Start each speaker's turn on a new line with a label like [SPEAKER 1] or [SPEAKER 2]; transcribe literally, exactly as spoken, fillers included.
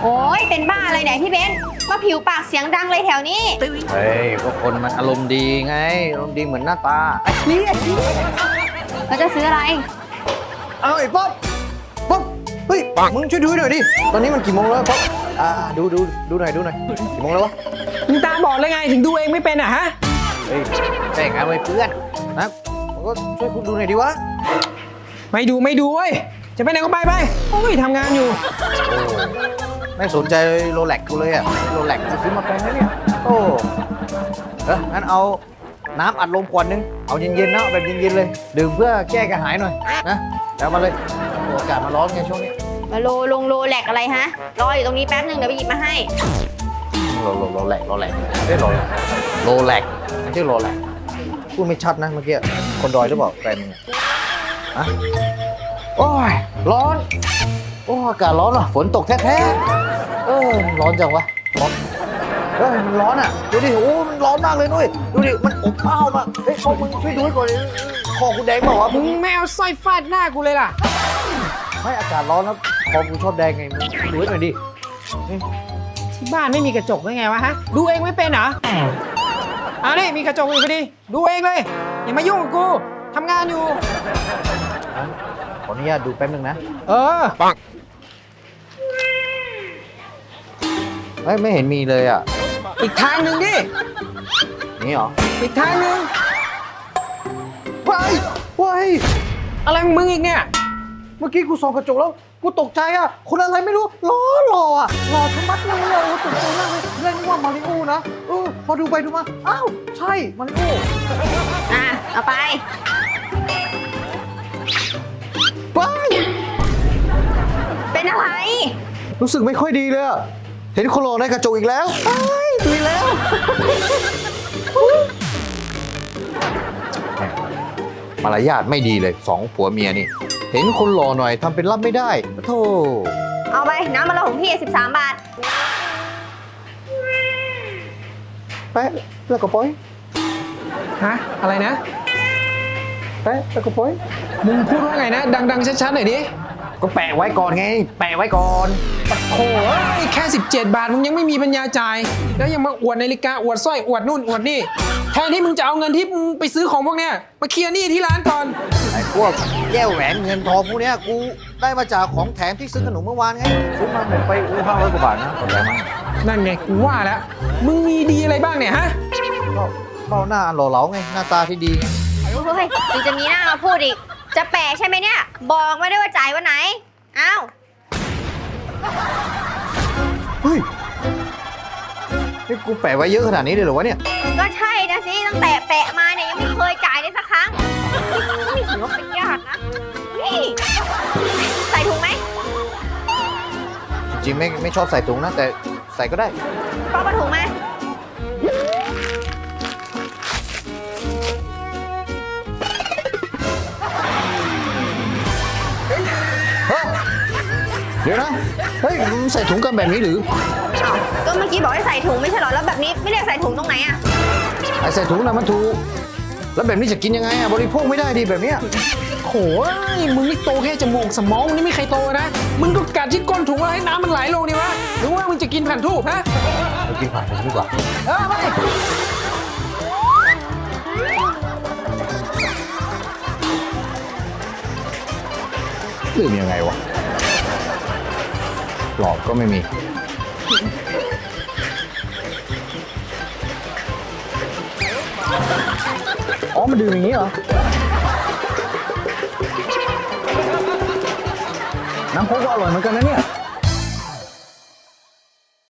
[SPEAKER 1] โอ้ยเป็นบ้าอะไรเนี่ยพี่เบนมาผิวปากเสียงดังเลยแถวนี้
[SPEAKER 2] เฮ้ยก็คนมันอารมณ์ดีไงอารมณ์ดีเหมือนหน้าตาไอ้นี่ไอ้นี่
[SPEAKER 1] เราจะซื้ออะไร
[SPEAKER 2] เอาไอ้ป๊อปป๊อปเฮ้ยมึงช่วยดูหน่อยดิตอนนี้มันกี่โมงแล้วป๊อปอ่าดูดูดูหน่อยดูหน่อยกี่โมงแล้ววะ
[SPEAKER 3] มึงตาบอดเลยไงถึงดูเองไม่เป็นอ่ะฮะ
[SPEAKER 2] เฮ้ยแต่งงานไว้เพื่อนนะมึงก็ช่วยคุณดูหน่อยดิวะ
[SPEAKER 3] ไม่ดูไม่ดูเว้ยจะไปไหนก็ไปไปโอ้ยทำงานอยู่
[SPEAKER 2] โอ้ไม่สนใจเลยโรเล็กกูเลยอะโรเล็กกูซื้อมาแพงนะเนี่ยโอ้เอองั้นเอาน้ำอัดลมขวดนึงเอาเย็นๆนะแบบเย็นๆเลยดื่มเพื่อแก้กระหายหน่อยนะแล้วมาเลยอากาศมาร้อนไงช่วงนี้
[SPEAKER 1] มาโลลงโลแหลกอะไรฮะรออยู่ตรงนี้แป๊บหนึ่งเดี๋ยวไปหยิบมาให้
[SPEAKER 2] โรโรโรแลกโรแลกไม่ใช่โรแลกโรแลกไม่ใช่โรแลกพูดไม่ชัดนะเมื่อกี้คนดอยหรือเปล่าแฟนฮะโอ้ยร้อนโอ้อากาศร้อนอ่ะฝนตกแท้ๆเออร้อนจังวะร้อนเฮ้ยมันร้อนอ่ะดูดิโอ้มันร้อนมากเลยนุ้ยดูดิมันอบอ้าวมากเฮ้ยพวกมึงช่วยดูให้ก่อนคอกูแดงเปล่าวะ
[SPEAKER 3] มึงไม่เอาสร้อยฟาดหน้ากูเลยล่ะ
[SPEAKER 2] ไม่อากาศร้อนแล้วคอกูชอบแดงไงมึงดูให้หน่อยดิ
[SPEAKER 3] ที่บ้านไม่มีกระจกได้ไงวะฮะดูเองไม่เป็นเหรอเอานี่มีกระจกอยู่พอดีดูเองเลยอย่ามายุ่งกับกูทำงานอยู่
[SPEAKER 2] ขออนุญาตดูแป๊บนึงนะ
[SPEAKER 3] เออปัง
[SPEAKER 2] ไม่ไม่เห็นมีเลยอ่ะ
[SPEAKER 3] อีกทางหนึ่งดิ
[SPEAKER 2] นี่เหรอ
[SPEAKER 3] อีกทางหนึ่ง
[SPEAKER 2] ว้ายว้าย
[SPEAKER 3] อะไรของมึงอีกเนี่ย
[SPEAKER 2] เมื่อกี้กูส่องกระจกแล้วกูตกใจอ่ะคนอะไรไม่รู้ล้อหล่ออ่ะหล่อชะมัดเลยอ่ะตกใจมากเลยเล่นว่ามาริโอนะเออพอดูไปดูมาอ้าวใช่มาริโอ
[SPEAKER 1] อ่ะเอาไป
[SPEAKER 2] ว้าย
[SPEAKER 1] เป็นอะไร
[SPEAKER 2] รู้สึกไม่ค่อยดีเลยอ่ะเห็นคนหล่อในกระจกอีกแล้วไอ้ตุยแล้วมารยาทไม่ดีเลยสองผัวเมียนี่เห็นคนหล่อหน่อยทำเป็นรับไม่ได้โธ่
[SPEAKER 1] เอาไปน้ำมันละของพี่สิบสามบาท
[SPEAKER 2] แปะแล้วก็ปล่อย
[SPEAKER 3] ฮะอะไรนะ
[SPEAKER 2] แปะแล้วก็ปล่อย
[SPEAKER 3] มึงพูดว่าไงนะดังๆชัดๆหน่อยดิ
[SPEAKER 2] ก็แปะไว้ก่อนไงแปะไว้ก่อน
[SPEAKER 3] โอ้ยแค่สิบเจ็ดบาทมึงยังไม่มีปัญญาจ่ายแล้วยังมาอวดนาฬิกาอวดสร้อยอวดนู่นอวดนี่แทนที่มึงจะเอาเงินที่มึงไปซื้อของพวกเนี้ยมาเคลียร์หนี้ที่ร้านก่อน
[SPEAKER 2] ไอ้พวกแก้วแหวนเงินทองพวกเนี้ยกูได้มาจากของแถมที่ซื้อขนมเมื่อวานไงซื้อมาหมดไปอู้ห้าร้อยกว่าบาทนะขอบใจมาก
[SPEAKER 3] นั่นไงกูว่าแล้วมึงมีดีอะไรบ้างเนี่ยฮะ
[SPEAKER 2] ก็ก็หน้าหล่อเหลาไงหน้าตาที่ดีไง
[SPEAKER 1] เฮ้ยถึงจะมีหน้ามาพูดอีกจะแปะใช่ไหมเนี่ยบอกไม่ได้ว่าจ่ายวันไหนอ้าว
[SPEAKER 2] เฮ้ยนี่กูแปะไว้เยอะขนาดนี้เลยเหรอวะเนี่ย
[SPEAKER 1] ก็ใช่นะสิตั้งแต่แปะมาเนี่ยยังไม่เคยจ่ายเลยสักครั้งไม่ถือว่าเป็นญาตินะนี่ใส่ถุงไหม
[SPEAKER 2] จริงๆไม่ไม่ชอบใส่ถุงนะแต่ใส่ก็ได้
[SPEAKER 1] ป้าปะถุงมา
[SPEAKER 2] เดี๋ยวนะเฮ้ยใส่ถุงกันแบบนี้หรือ
[SPEAKER 1] ก็เมื่อกี้บอกให้ใส่ถุงไม่ใช่หรอแล้วแบบนี้ไม่เรียกใส่ถุงตรงไหนอะ
[SPEAKER 2] ไอใส่ถุงนะมันถูกแล้วแบบนี้จะกินยังไงอะบริโภคไม่ได้ดีแบบเนี้ย
[SPEAKER 3] โหยมึงนี่โตแค่จมูกสมองมึงนี่ไม่ใครโตนะมึงก็กัดที่ก้นถุงแล้วให้น้ำมันไหลลงดิวะหรือว่ามึงจะกินผ่านทูบฮะ
[SPEAKER 2] เรากินผ่านทูบดีกว่า
[SPEAKER 3] เออไป
[SPEAKER 2] ลืมยังไงวะหลอกก็ไม่มีอ๋อมันดื่มอย่างนี้เหรอน้ำโค้กก็อร่อยเหมือนกันนะเนี่ย